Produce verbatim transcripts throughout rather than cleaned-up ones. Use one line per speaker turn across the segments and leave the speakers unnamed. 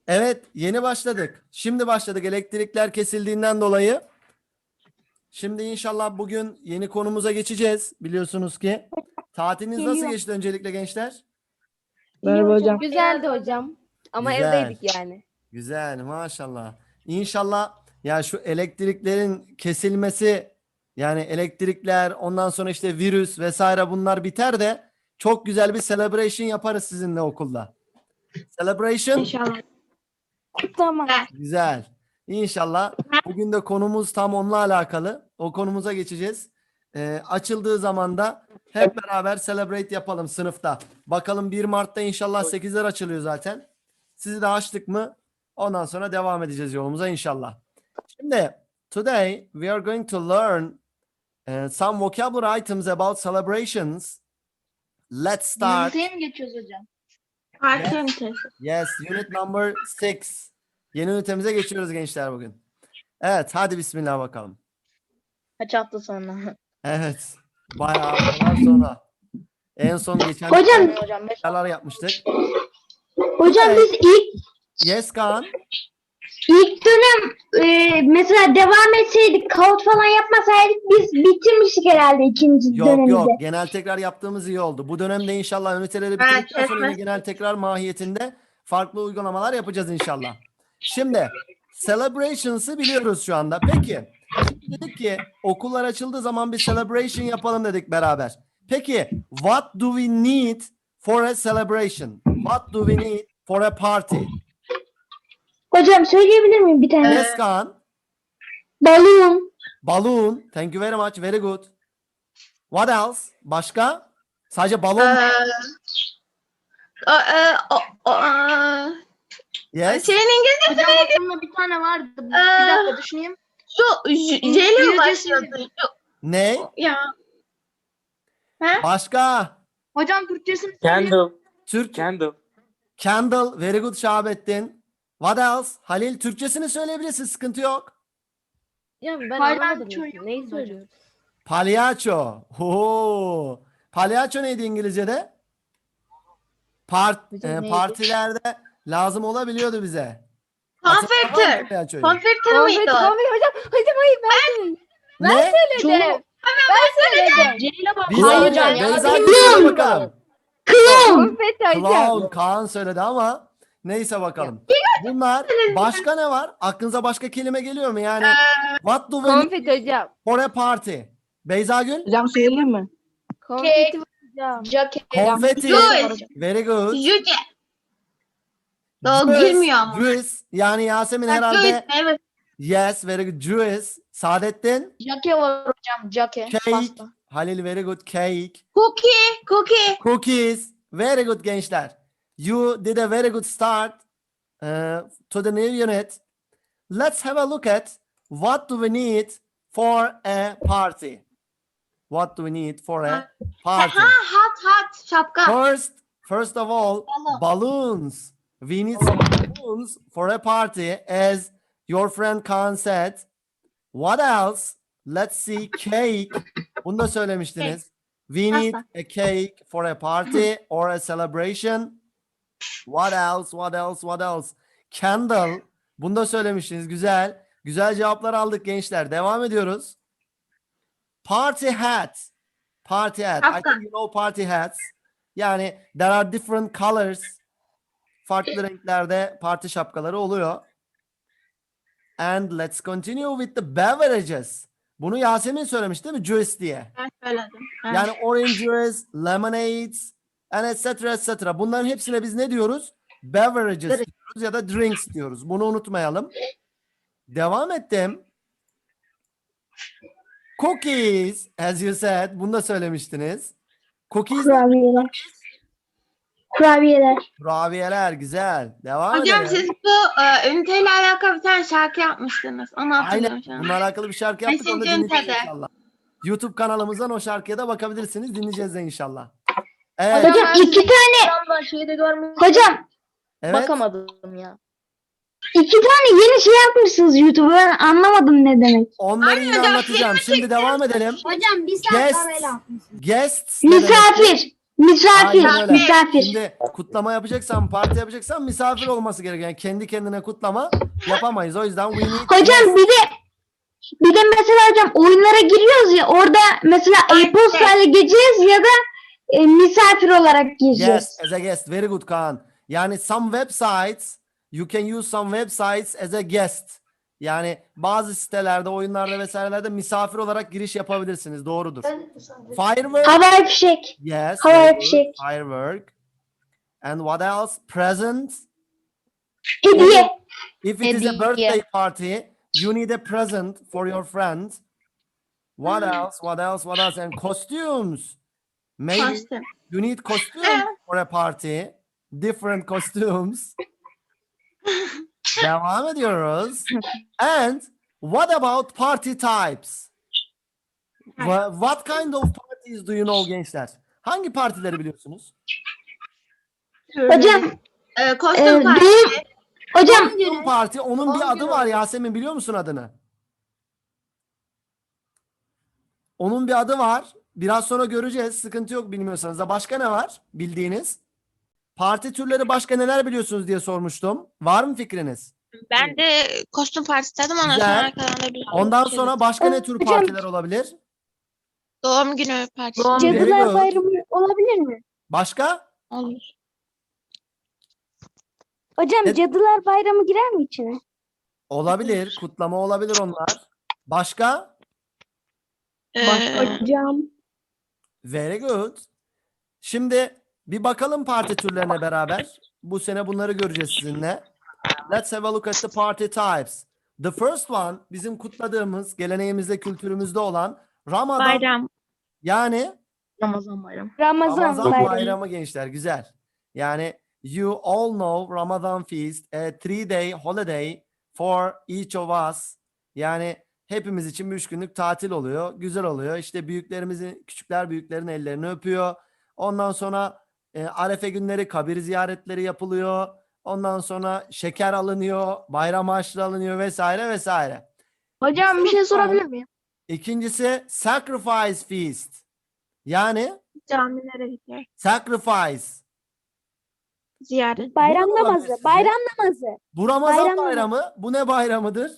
Evet, yeni başladık. Şimdi başladık elektrikler kesildiğinden dolayı. Şimdi inşallah bugün yeni konumuza geçeceğiz. Biliyorsunuz ki. Tatiliniz nasıl
Geliyor.
geçti öncelikle gençler?
Merhaba hocam.
Güzeldi hocam. Ama
Güzel.
evdeydik yani.
Güzel, maşallah. İnşallah ya şu elektriklerin kesilmesi, yani elektrikler, ondan sonra işte virüs vesaire bunlar biter de çok güzel bir celebration yaparız sizinle okulda. Celebration.
İnşallah.
Tamam.
Güzel. İnşallah. Bugün de konumuz tam onunla alakalı. O konumuza geçeceğiz. Ee, açıldığı zaman da hep beraber celebrate yapalım sınıfta. Bakalım bir Mart'ta inşallah sekizler açılıyor zaten. Sizi de açtık mı? Ondan sonra devam edeceğiz yolumuza inşallah. Şimdi today we are going to learn uh, some vocabulary items about celebrations. Let's start.
Üniteye mi geçiyoruz hocam?
Parti ünitesi.
Yes, unit number six. Yeni ünitemize geçiyoruz gençler bugün. Evet, hadi bismillah bakalım.
Kaç hafta sonra?
Evet, bayağı yıllar sonra. En son geçen
Hocam,
hocam beş
neler yapmıştık?
hocam biz ilk
Yes Kaan.
ilk dönem e, mesela devam etseydik, kağıt falan yapmasaydık biz bitirmiştik herhalde ikinci
Yok
dönemde.
yok, genel tekrar yaptığımız iyi oldu. Bu dönemde inşallah üniteleri bitirdikten sonra yine genel tekrar mahiyetinde farklı uygulamalar yapacağız inşallah. Şimdi celebrations'ı biliyoruz şu anda. Peki, şimdi dedik ki okullar açıldığı zaman bir celebration yapalım dedik beraber. Peki, what do we need for a celebration? What do we need for a party?
Hocam söyleyebilir miyim bir tane?
Yes Kaan.
Balon,
Balloon. Thank you very much. Very good. What else? Başka? Sadece balon.
Ee, o, e, o, o, e,
Yes.
şeyin İngilizce
Hocam aklımda bir tane vardı. Bir
Ee,
dakika düşüneyim.
şu J J ile mi
İngilizcesi-
başlıyordu?
Ne?
Ya.
Başka?
Hocam Türkçesini söyleyeyim.
Candle.
Türk.
Candle.
Candle. Very good Şahabettin. What else? Halil, Türkçesini söyleyebilirsin. Sıkıntı yok.
Ya ben
Hayır,
anlamadım.
ben çoğu-
Neyi söylüyorsun?
Palyaço. Oo. Palyaço neydi İngilizce'de? Part,
Hocam
e,
neydi?
partilerde lazım olabiliyordu bize. Hatırladın mı
Konfetör.
palyaçoyu?
Konfetör müydü
Konfeti,
o?
konfeti hocam. Hocam hayır ben söyledim. Ben
Ne?
söyledim. Ben söyledim.
C ile bak.
Bir
Hayır
saniye,
hocam,
Beyza
ya.
söyle bakalım.
klon,
Konfeti hocam.
Clown, Kaan söyledi ama neyse bakalım. Bunlar başka ne var? Aklınıza başka kelime geliyor mu? Yani what do we need
Konfeti hocam.
for a party? Beyza Gül?
Hocam söyleyeyim mi?
Konfeti hocam.
Jacket.
Confetti.
Juice.
Very good.
Yüce. O
Juice,
girmiyor ama.
Juice. Yani Yasemin
Ha,
herhalde
Juice, evet.
yes, very good. Juice. Saadettin?
Jacke var hocam. Jacke.
Cake.
Pasta.
Halil, very good. Cake.
Cookie. Cookie.
Cookies. Very good gençler. You did a very good start uh, to the new unit. Let's have a look at what do we need for a party. What do we need for a party?
Ha, hat hat. Şapka.
First, first of all,
Balon.
balloons. We need some balloons for a party, as your friend Kaan said. What else? Let's see, cake. Bunu da söylemiştiniz. We need a cake for a party or a celebration. What else? What else? What else? Candle. Bunu da söylemiştiniz. Güzel. Güzel cevaplar aldık gençler. Devam ediyoruz. Party hat. Party hat. I
Şapka.
think you know party hats. Yani there are different colors. Farklı renklerde parti şapkaları oluyor. And let's continue with the beverages. Bunu Yasemin söylemiş değil mi? Juice diye.
Ben söyledim. Evet.
Yani orange juice, lemonades, and et cetera et cetera. Bunların hepsine biz ne diyoruz? Beverages diyoruz ya da drinks diyoruz. Bunu unutmayalım. Devam ettim. Cookies, as you said. Bunu da söylemiştiniz. Cookies,
kurabiyeler. Kurabiyeler.
kurabiyeler. Güzel. Devam
Hocam
edelim.
siz bu e, üniteyle alakalı bir tane şarkı yapmıştınız. Onu hatırlıyorum
Aynen.
şu an.
Bununla alakalı bir şarkı yaptık. Onu da
Beşinci
dinleyeceğiz
ünitede.
inşallah. YouTube kanalımızdan o şarkıya da bakabilirsiniz. Dinleyeceğiz de inşallah. Evet.
Hocam iki tane,
Hocam şeyde görmedim.
hocam
Evet.
Bakamadım ya.
iki tane yeni şey yapmışsınız YouTube'a, ben anlamadım ne demek.
Onları yine
hocam,
anlatacağım. Şimdi devam edelim.
Hocam bir
Guests. Guests. ne demek?
Misafir, Misafir,
Aynen öyle.
misafir.
Şimdi kutlama yapacaksan, parti yapacaksan misafir olması gerekiyor. Yani kendi kendine kutlama yapamayız. O yüzden we need
Hocam bir de bir de mesela hocam oyunlara giriyoruz ya orada mesela e-posta ile gireceğiz ya da e, misafir olarak gireceğiz.
yes as a guest. Very good Kaan. Yani some websites you can use some websites as a guest. Yani bazı sitelerde, oyunlarda vesairelerde misafir olarak giriş yapabilirsiniz. Doğrudur. Firework.
Havai fişek.
Yes.
Havai
very good.
fişek.
Firework. And what else? Present.
Hediye.
If it is a
Hediye.
birthday party, you need a present for your friend. What else? What else? What else? And costumes. Maybe
Kostüm.
you need costumes for a party. Different costumes. Devam ediyoruz. And what about party types? Wha- What kind of parties do you know gençler? Hangi partileri biliyorsunuz?
Hocam
Ee,
e,
kostüm partisi.
düğün hocam
Düğün parti. Onun bir adı var Yasemin, biliyor musun adını? Onun bir adı var. Biraz sonra göreceğiz. Sıkıntı yok bilmiyorsanız da. Başka ne var bildiğiniz? Parti türleri başka neler biliyorsunuz diye sormuştum. Var mı fikriniz?
Ben de kostüm partisi dedim ondan
Güzel.
sonra arkadan da bir
Ondan
şey
sonra
dedim.
başka ne tür
Hocam-
partiler olabilir?
Doğum günü partisi
Doğum
Very
Cadılar
good.
Bayramı olabilir mi?
Başka?
olur.
Hocam
Ne-
Cadılar Bayramı girer mi içine?
Olabilir. Kutlama olabilir onlar. Başka?
Ee,
Hocam.
Very good. Şimdi bir bakalım parti türlerine beraber. Bu sene bunları göreceğiz sizinle. Let's have a look at the party types. The first one bizim kutladığımız, geleneğimizde, kültürümüzde olan Ramadan.
bayram.
Yani
Ramazan bayramı.
Ramazan,
Ramazan
Bayramı.
bayramı gençler. Güzel. Yani you all know Ramadan feast, a three day holiday for each of us. Yani hepimiz için bir üç günlük tatil oluyor. Güzel oluyor. İşte büyüklerimizin, küçükler büyüklerin ellerini öpüyor. Ondan sonra e, Arefe günleri kabir ziyaretleri yapılıyor. Ondan sonra şeker alınıyor, bayram harçlığı alınıyor vesaire vesaire.
Hocam bir şey sorabilir miyim?
İkincisi sacrifice feast. Yani
Camilere gidiyor.
sacrifice.
Ziyaret.
Bayram
Bu ne olabilir
namazı.
sizce?
Bayram namazı.
Bu Ramazan
Bayram namazı.
bayramı. Bu ne bayramıdır?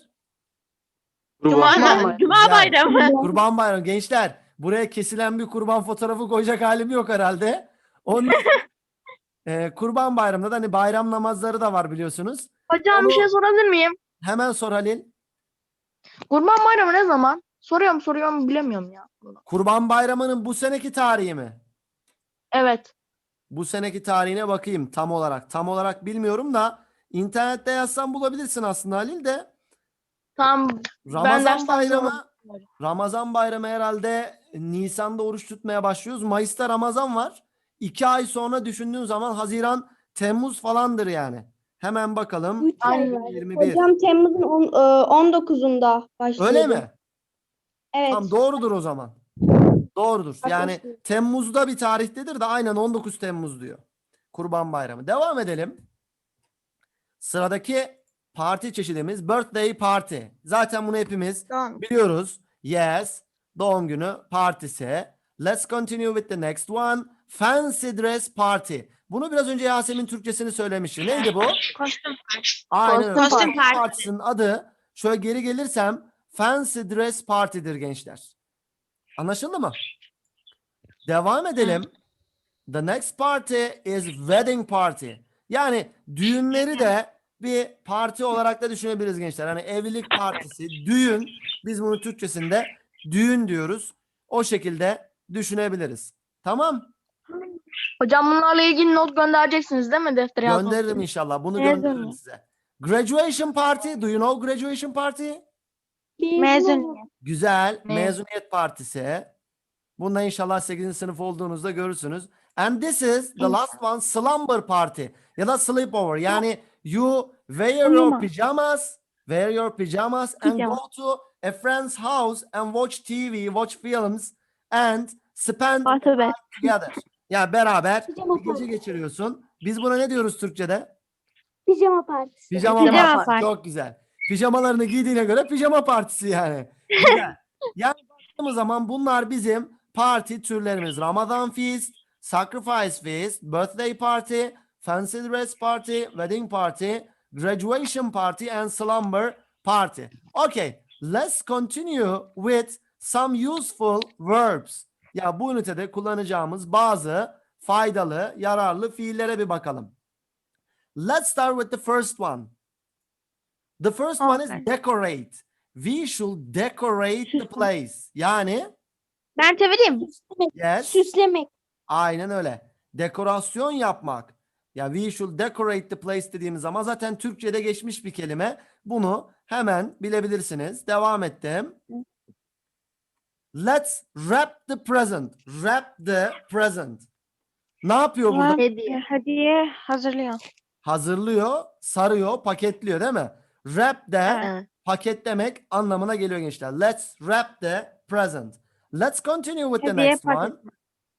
Cuma,
Kurban
Cuma
Güzel.
bayramı.
Kurban bayramı. Gençler, buraya kesilen bir kurban fotoğrafı koyacak halim yok herhalde. Onun e, Kurban bayramında da hani bayram namazları da var biliyorsunuz.
Hocam bir şey sorabilir miyim?
Hemen sor Halil.
Kurban bayramı ne zaman? Soruyorum soruyorum bilemiyorum ya.
Kurban bayramının bu seneki tarihi mi?
Evet.
Bu seneki tarihine bakayım tam olarak. Tam olarak bilmiyorum da internette yazsan bulabilirsin aslında Halil de.
Tamam. Ben
Ramazan
dersten
bayramı
sonra-
Ramazan bayramı herhalde Nisan'da oruç tutmaya başlıyoruz. Mayıs'ta Ramazan var. İki ay sonra düşündüğün zaman Haziran, Temmuz falandır yani. Hemen bakalım.
Üç ay
Aynen.
var.
yirmi bir.
Hocam Temmuz'un on- e, on dokuzunda başlıyor.
Öyle mi?
Evet.
Tamam, doğrudur o zaman. Doğrudur. Yani Temmuz'da bir tarihtedir de aynen on dokuz Temmuz diyor. Kurban Bayramı. Devam edelim. Sıradaki parti çeşidimiz birthday party. Zaten bunu hepimiz
Doğum.
biliyoruz. Yes. Doğum günü partisi. Let's continue with the next one. Fancy dress party. Bunu biraz önce Yasemin Türkçesini söylemişti. Neydi bu?
Kostüm partisi.
Aynen öyle.
Kostüm
Kostüm
partisi.
partisinin adı, şöyle geri gelirsem, Fancy Dress Party'dir gençler. Anlaşıldı mı? Devam edelim. The next party is wedding party. Yani düğünleri de bir parti olarak da düşünebiliriz gençler. Hani evlilik partisi, düğün. Biz bunu Türkçesinde düğün diyoruz. O şekilde düşünebiliriz. Tamam.
Hocam bunlarla ilgili not göndereceksiniz değil mi deftere yazmak
Gönderirim
için?
inşallah. Bunu
Evet,
gönderirim
evet.
size. Graduation party. Do you know graduation party?
Mezuniyet.
Güzel.
Ne?
Mezuniyet partisi. Bunda inşallah sekizinci sınıf olduğunuzda görürsünüz. And this is the last one, slumber party. Ya da sleepover. Yani you wear your
Uyuma.
pajamas, wear your pajamas and
Pijama.
go to a friend's house and watch T V, watch films and spend
Bahçe
together. Ya beraber
Pijama
bir gece
partisi.
geçiriyorsun. Biz buna ne diyoruz Türkçe'de?
Pijama partisi.
Pijama,
Pijama
partisi.
partisi.
Çok güzel. Pijamalarını giydiğine göre pijama partisi yani. Güzel. Yani baktığımız zaman bunlar bizim parti türlerimiz. Ramazan feast, sacrifice feast, birthday party, fancy dress party, wedding party, graduation party, and slumber party. Okay, let's continue with some useful verbs. Ya bu ünitede kullanacağımız bazı faydalı, yararlı fiillere bir bakalım. Let's start with the first one. The first one is
Okay.
decorate. We should decorate the place. Yani
Ben çevireyim.
Süslemek.
yes,
Süslemek.
aynen öyle. Dekorasyon yapmak. Ya we should decorate the place dediğimiz zaman zaten Türkçe'de geçmiş bir kelime. Bunu hemen bilebilirsiniz. Devam ettim. Let's wrap the present. Wrap the present. Ne yapıyor burada?
Hediye. Hediye hazırlıyor.
Hazırlıyor, sarıyor, paketliyor değil mi? Wrap de
Evet.
paketlemek anlamına geliyor gençler. Let's wrap the present. Let's continue with the
Hediye
next one.
paketi.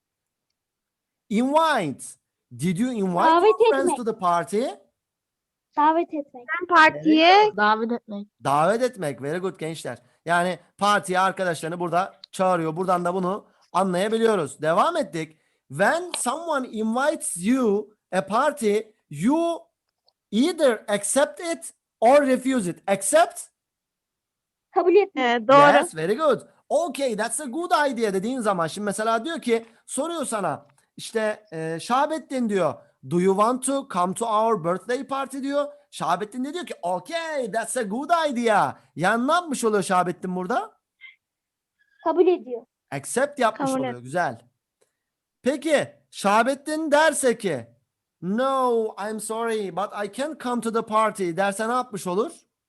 Invite. Did you invite
Davet
your friends
etmek.
to the party?
Davet etmek.
Ben partiye
Davet etmek.
Davet etmek. Very good gençler. Yani partiye arkadaşlarını burada çağırıyor. Buradan da bunu anlayabiliyoruz. Devam ettik. When someone invites you a party, you either accept it or refuse it. Accept?
Kabul etmek.
e, doğru.
Yes, very good. Okay, that's a good idea dediğin zaman şimdi mesela diyor ki soruyor sana işte e, Şahabettin diyor. Do you want to come to our birthday party diyor. Şahabettin de diyor ki okay, that's a good idea. Yani ne yapmış oluyor Şahabettin burada?
Kabul ediyor.
Accept yapmış
Kabul
oluyor. Güzel. Peki Şahabettin derse ki no, I'm sorry but I can't come to the party derse ne yapmış olur?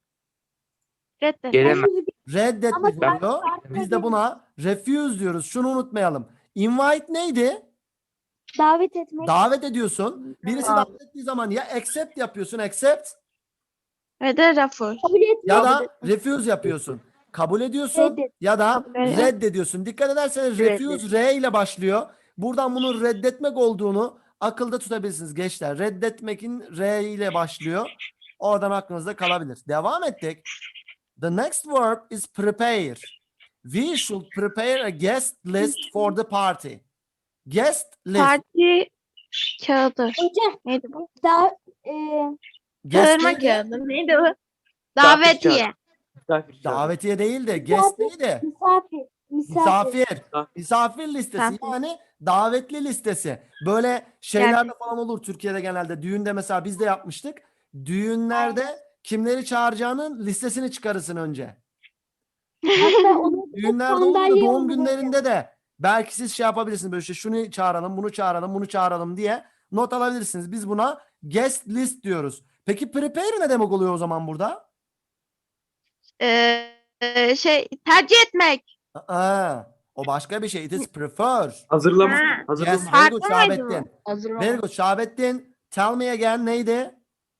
Reddet.
Gelemem.
Reddetmiş
Ama sen
oluyor.
farklı
Biz de
bir-
buna refuse diyoruz. Şunu unutmayalım. Invite neydi?
Davet etmek.
Davet ediyorsun. Birisi
Davet.
davet ettiği zaman ya accept yapıyorsun, accept
Ve de rafur.
Kabul etmek.
ya da refuse yapıyorsun. Kabul ediyorsun
Reddet.
ya da
Kabul et.
reddediyorsun. Dikkat ederseniz refuse R ile başlıyor. Buradan bunun reddetmek olduğunu akılda tutabilirsiniz gençler. Reddetmekin R ile başlıyor. Oradan aklınızda kalabilir. Devam ettik. The next verb is prepare. We should prepare a guest list for the party. Guest list.
Parti kağıdı.
Hocam
Neydi bu?
da, e,
Guest
Çağırma
neydi?
kağıdı. Neydi bu? Davetiye.
Misafir çağır.
Davetiye değil de guest neydi?
misafir. Misafir.
Misafir. Misafir listesi
Misafir.
yani davetli listesi. Böyle şeylerde
Gerçekten.
falan olur Türkiye'de genelde. Düğünde mesela biz de yapmıştık. Düğünlerde kimleri çağıracağının listesini çıkarırsın önce.
Hatta onu
Düğünlerde olur da
sandalye
doğum
olur
günlerinde de belki siz şey yapabilirsiniz böyle işte şunu çağıralım, bunu çağıralım, bunu çağıralım diye not alabilirsiniz. Biz buna guest list diyoruz. Peki prepare ne demek oluyor o zaman burada?
Ee, e, şey tercih etmek.
Aa, o başka bir şey. It is prefer.
Hazırlama.
Ha.
Hazırlama.
Yes, very good
Farklı mıydı
Şahabettin.
Hazır
Very
olmak.
good Şahabettin. Tell me again neydi?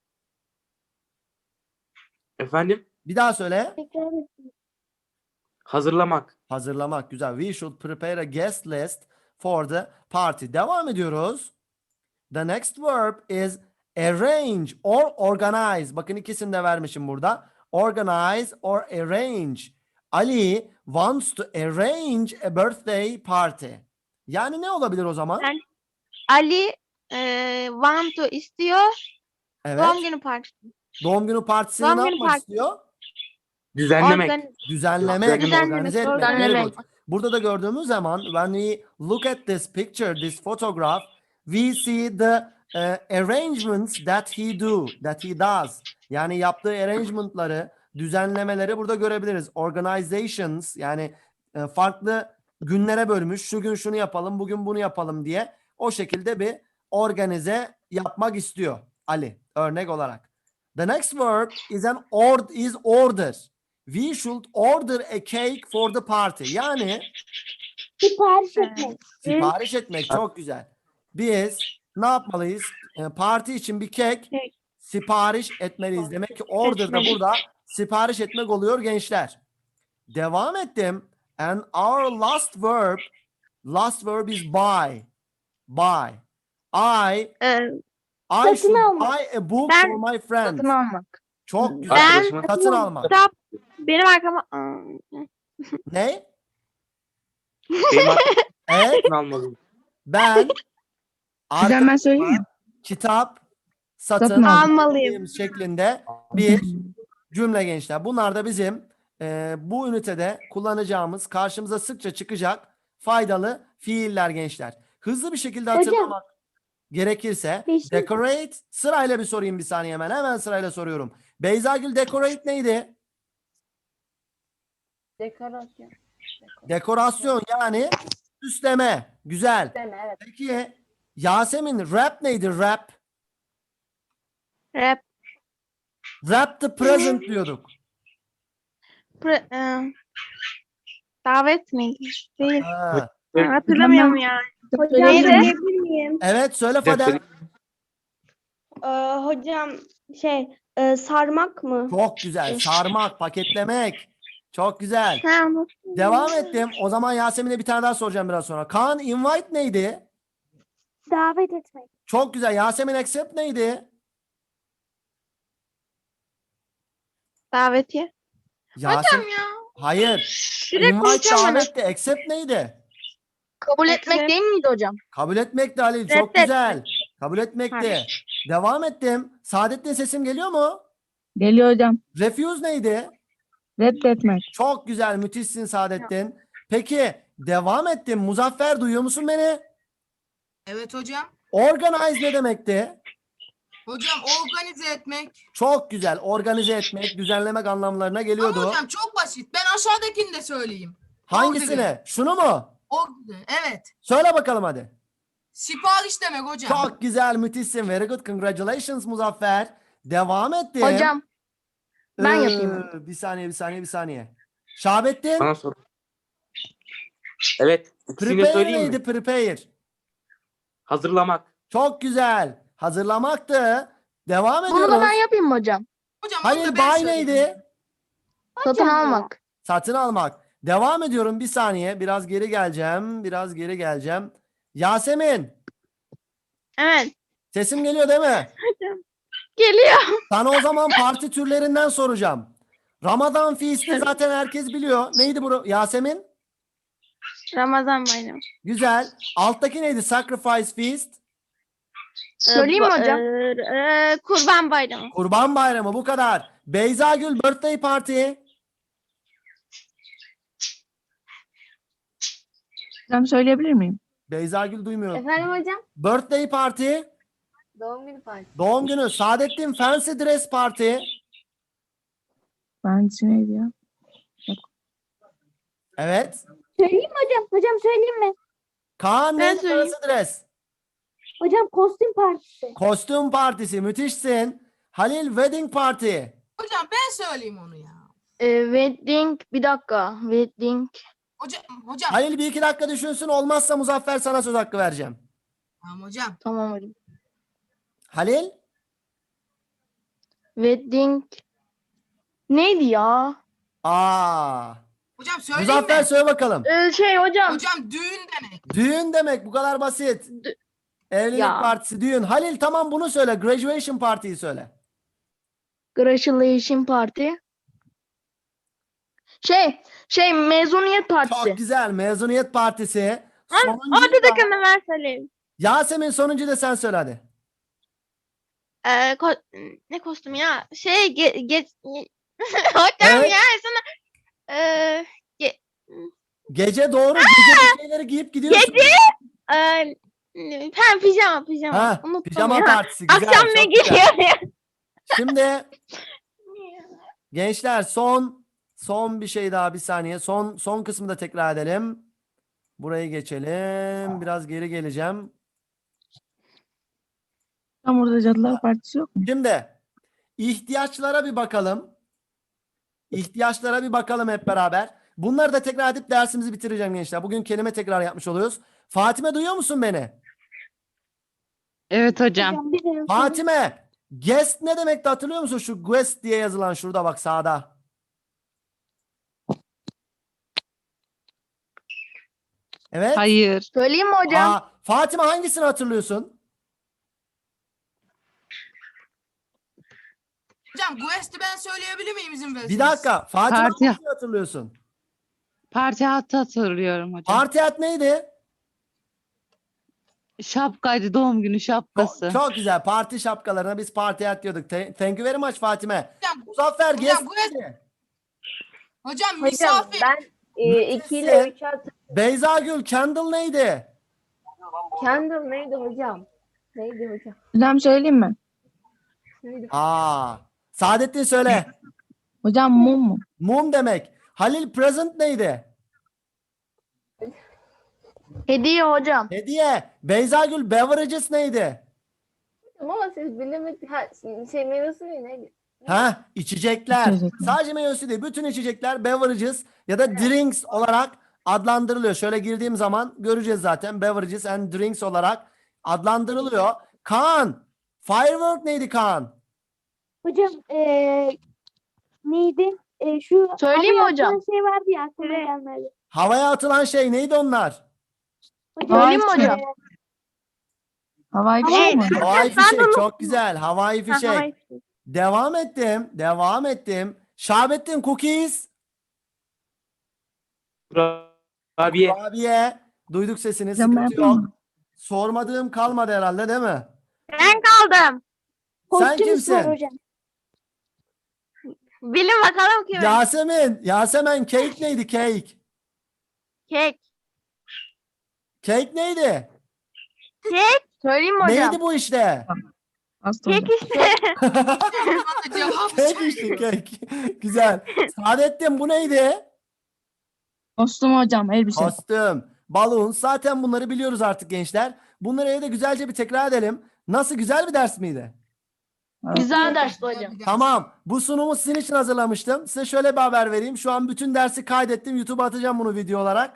Efendim?
Bir daha söyle.
tekrar etmek.
Hazırlamak.
Hazırlamak. Güzel. We should prepare a guest list for the party. Devam ediyoruz. The next verb is arrange or organize. Bakın ikisini de vermişim burada. Organize or arrange. Ali wants to arrange a birthday party. Yani ne olabilir o zaman?
Ben- Ali e, want to istiyor.
Evet.
Doğum günü partisi.
Doğum günü partisini
Doğum
ne
günü
yapmak
partisi.
istiyor?
Düzenlemek.
Organize.
Düzenlemek,
Düzenlemek.
organize etmek.
Düzenlemek.
Very good. Burada da gördüğümüz zaman when we look at this picture, this photograph, we see the uh, arrangements that he do, that he does. Yani yaptığı arrangement'ları, düzenlemeleri burada görebiliriz. Organizations yani e, farklı günlere bölmüş. Şu gün şunu yapalım, bugün bunu yapalım diye o şekilde bir organize yapmak istiyor Ali örnek olarak. The next verb is an ord is order. We should order a cake for the party. Yani
Sipariş
Evet.
etmek.
sipariş etmek çok güzel. Biz ne yapmalıyız? E, parti için bir kek
Kek.
sipariş etmeliyiz. Demek ki order da
Etmeliyiz.
burada sipariş etmek oluyor gençler. Devam ettim. And our last verb, last verb is buy. Buy. I
E,
I
Satın
should
almak.
buy a book
Ben-
for my friends.
Satın almak.
Çok güzel.
Ben-
Arkadaşıma
Satın almak.
kitap benim arkama
Ne?
benim
Evet.
satın almalıyım.
Ben
Hocam ben söyleyeyim mi?
kitap satın,
Satın
almalıyım.
şeklinde bir cümle gençler. Bunlar da bizim e, bu ünitede kullanacağımız, karşımıza sıkça çıkacak faydalı fiiller gençler. Hızlı bir şekilde
Hocam.
hatırlamak gerekirse
Beşinci-
decorate, sırayla bir sorayım bir saniye hemen. Hemen sırayla soruyorum. Beyzagül, decorate neydi?
Dekorasyon.
Dekorasyon yani süsleme. Güzel.
Evet.
Peki Yasemin, rap neydi? Rap.
Rap.
Rap the present diyorduk.
Pre, e, davet miydi? Değil.
Ha.
Ha, hatırlamıyorum ya.
Hocam
Neydi?
söyleyebilir miyim?
Evet söyle Fadel.
Ee, hocam şey e, sarmak mı?
Çok güzel. Sarmak, paketlemek. Çok güzel.
Ha, bu-
Devam ettim. O zaman Yasemin'e bir tane daha soracağım biraz sonra. Kaan, invite neydi?
Davet etmek.
Çok güzel. Yasemin, accept neydi?
davetiye.
Yasemin.
Ya.
Hayır.
Direkt
Invite
konuşamadım.
davetti. Accept neydi?
Kabul etmek
Accept.
değil miydi hocam?
Kabul etmekti Halil. Çok
Reddetmek.
güzel. Kabul etmekti.
Hayır.
Devam ettim. Saadettin, sesim geliyor mu?
Geliyor hocam.
Refuse neydi?
Reddetmek.
Çok güzel. Müthişsin Saadettin. Peki devam ettim. Muzaffer, duyuyor musun beni?
Evet hocam.
Organize ne demekti?
Hocam organize etmek.
Çok güzel. Organize etmek, düzenlemek anlamlarına
Ama
geliyordu.
hocam çok basit. Ben aşağıdakini de söyleyeyim.
Hangisini? Şunu mu?
Organize. Evet.
Söyle bakalım hadi.
Sipariş demek hocam.
Çok güzel, müthişsin. Very good. Congratulations Muzaffer. Devam ettim.
Hocam ben
Ee,
yapayım.
Bir saniye, bir saniye, bir saniye. Şahabettin,
Bana sor. Evet. İkisini de
prepare
söyleyeyim mi?
neydi? Prepare.
Hazırlamak.
Çok güzel. Hazırlamaktı. Devam
Bunu da
ediyoruz.
ben yapayım mı hocam?
Hocam onu
Halil,
da ben
buy
söyleyeyim.
neydi?
Satın almak.
Satın almak. Devam ediyorum bir saniye. Biraz geri geleceğim. Biraz geri geleceğim. Yasemin,
Evet.
sesim geliyor değil mi?
Geliyor.
Sana o zaman parti türlerinden soracağım. Ramazan feast'i zaten herkes biliyor. Neydi bu Yasemin?
Ramazan bayramı.
Güzel. Alttaki neydi? Sacrifice feast.
Söyleyeyim mi
Ee, bu-
hocam?
e, e, kurban bayramı.
Kurban bayramı, bu kadar. Beyzagül, birthday party.
Hocam söyleyebilir miyim?
Beyzagül duymuyor.
Efendim hocam?
Birthday party.
Doğum günü partisi.
Doğum günü. Saadettin, fancy dress party.
Ben neydi ya?
Evet.
Söyleyeyim mi hocam? Hocam söyleyeyim mi?
Kaan,
Ben
neydi
söyleyeyim.
fancy dress?
Hocam kostüm partisi.
Kostüm partisi. Müthişsin. Halil, wedding party.
Hocam ben söyleyeyim onu ya.
Ee, wedding bir dakika. Wedding.
Hocam hocam.
Halil bir iki dakika düşünsün. Olmazsa Muzaffer, sana söz hakkı vereceğim.
Tamam hocam.
Tamam hocam.
Halil.
Wedding. Neydi ya?
Aa.
Hocam söyleyeyim
Muzaffer
mi?
söyle bakalım.
Ee, şey hocam.
Hocam düğün demek.
Düğün demek, bu kadar basit.
Dü-
Evlilik
Ya.
partisi, düğün. Halil, tamam, bunu söyle. Graduation party'yi söyle.
Graduation party. Şey, şey mezuniyet partisi.
Çok güzel. Mezuniyet partisi.
Ha,
Sonuncuyu
Orada
da-
da kanı ben söyleyeyim.
Yasemin, sonuncuyu da sen söyle hadi.
Ee, ko- ne kostüm ya? Şey ge, ge, hocam
Evet.
ya sana ee,
Gece doğru. Gece bir şeyleri giyip gidiyorsun.
Gece? ee, ha, pijama pijama.
Ha,
Unuttum
pijama
ya.
partisi. Güzel.
Akşam ne
çok güzel.
giyiyor ya?
Şimdi gençler, son son bir şey daha, bir saniye. Son son kısmı da tekrar edelim. Burayı geçelim. Biraz geri geleceğim.
Tam orada Cadılar Partisi yok mu?
Şimdi ihtiyaçlara bir bakalım. İhtiyaçlara bir bakalım hep beraber. Bunları da tekrar edip dersimizi bitireceğim gençler. Bugün kelime tekrar yapmış oluyoruz. Fatime, duyuyor musun beni?
Evet hocam.
Hocam bir de
Fatime, guest ne demekti, hatırlıyor musun? Şu guest diye yazılan şurada bak, sağda. Evet.
Hayır.
Söyleyeyim mi hocam?
Aa, Fatime, hangisini hatırlıyorsun?
Hocam Guest'i ben söyleyebilir miyim izin verirseniz?
Bir dakika. Fatime,
Parti.
hangisini hatırlıyorsun?
Parti hattı hatırlıyorum hocam.
Parti hat neydi?
Şapkaydı, doğum günü şapkası.
Çok, çok güzel. Parti şapkalarına biz parti hat diyorduk. Te- Thank you very much Fatime.
Hocam,
Muzaffer
hocam,
guess
bu es-
neydi?
Hocam
Hocam
misafir.
ben e, iki ile
Müthişsin.
üç at.
Beyza Gül candle neydi?
Candle neydi hocam? Neydi hocam?
Hocam söyleyeyim mi?
Neydi?
Aa. Saadettin söyle.
Hocam mum mu?
Mum demek. Halil present neydi?
Hediye hocam.
Hediye. Beyza Gül beverages neydi?
Ama siz bilemediniz. Ha, şey meyve suyu neydi?
Ha, içecekler.
İçecekler.
Sadece meyvesi değil. Bütün içecekler beverages ya da drinks olarak adlandırılıyor. Şöyle girdiğim zaman göreceğiz zaten. Beverages and drinks olarak adlandırılıyor. Kaan. Firework neydi Kaan?
Hocam eee neydi? E, şu
Söyleyeyim mi
havaya
hocam?
atılan şey vardı ya aklıma gelmedi.
Havaya atılan şey neydi onlar?
Hocam,
Söyleyeyim mi hocam?
eee,
Havai
Havai
fişek mi?
Havai fişek çok güzel. Havai
Ha,
fişek.
havai fişek.
Devam ettim. Devam ettim. Şahabettin cookies.
Kurabiye.
Kurabiye. Duyduk sesini.
Hocam ben
Sıkıntı
yapayım
yok.
mı?
Sormadığım kalmadı herhalde değil mi?
Ben kaldım.
Sen
kostüm spor
kimsin?
hocam.
Bilin bakalım kim?
Yasemin. Yasemin cake neydi cake?
Kek.
Cake neydi?
Kek.
Söyleyeyim mi hocam?
Neydi bu işte?
Hasta
Kek
hocam.
işte.
Bana cevap
Cake işte cake. Güzel. Saadettin bu neydi?
Kostüm hocam, elbise.
Kostüm. Balon. Zaten bunları biliyoruz artık gençler. Bunları evde güzelce bir tekrar edelim. Nasıl, güzel bir ders miydi?
Güzel dersti hocam.
Tamam. Bu sunumu sizin için hazırlamıştım. Size şöyle bir haber vereyim. Şu an bütün dersi kaydettim. YouTube'a atacağım bunu video olarak.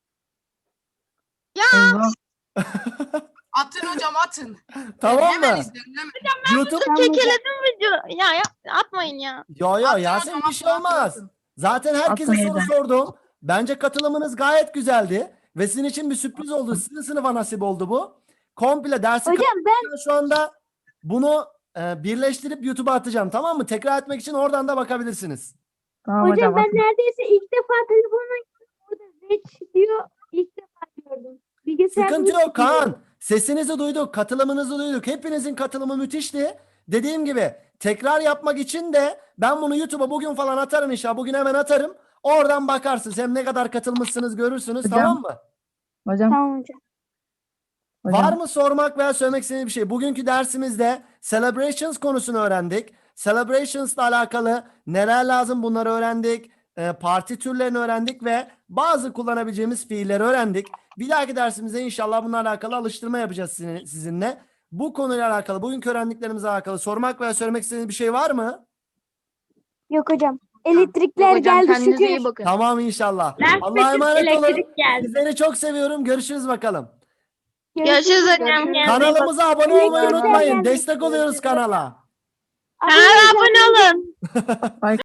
Eyvah.
Atın hocam atın.
Tamam
Hemen
mı?
izleyin hemen.
YouTube.
Kekeledim video. Ya, ya atmayın ya.
Yo yo
Atın
Yasemin
hocam,
bir şey
atın,
olmaz.
atın.
Zaten herkese
Atmayın
soru
da.
sordum. Bence katılımınız gayet güzeldi. Ve sizin için bir sürpriz oldu. Sizin sınıfa nasip oldu bu. Komple dersi
Hocam ben
kapatırken şu anda bunu e, birleştirip YouTube'a atacağım. Tamam mı? Tekrar etmek için oradan da bakabilirsiniz.
Tamam
hocam
hocam.
ben
atın.
neredeyse ilk defa telefonla orada Reç diyor ilk defa gördüm. Bilgisayarda
Sıkıntı
hiç
yok Kaan.
bilmiyorum.
Sesinizi duyduk. Katılımınızı duyduk. Hepinizin katılımı müthişti. Dediğim gibi tekrar yapmak için de ben bunu YouTube'a bugün falan atarım inşallah. Bugün hemen atarım. Oradan bakarsınız. Hem ne kadar katılmışsınız görürsünüz.
Hocam.
Tamam mı?
Hocam.
Tamam hocam.
hocam.
Var mı sormak veya söylemek istediğiniz bir şey? Bugünkü dersimizde celebrations konusunu öğrendik. Celebrations'la alakalı neler lazım bunları öğrendik. Ee, parti türlerini öğrendik ve bazı kullanabileceğimiz fiilleri öğrendik. Bir dahaki dersimizde inşallah bunlarla alakalı alıştırma yapacağız sizin- sizinle. Bu konuyla alakalı, bugünkü öğrendiklerimizle alakalı sormak veya söylemek istediğiniz bir şey var mı?
Yok hocam. Elektrikler
Hocam
geldi
kendinize
şükür.
iyi bakın.
Tamam inşallah. Allah'a emanet olun. Sizleri çok seviyorum. Görüşürüz bakalım.
Görüşürüz hocam.
Görüşürüz.
Kanalımıza abone olmayı
Elektrikler
unutmayın.
geldi.
Destek oluyoruz kanala.
Kanala abone olun.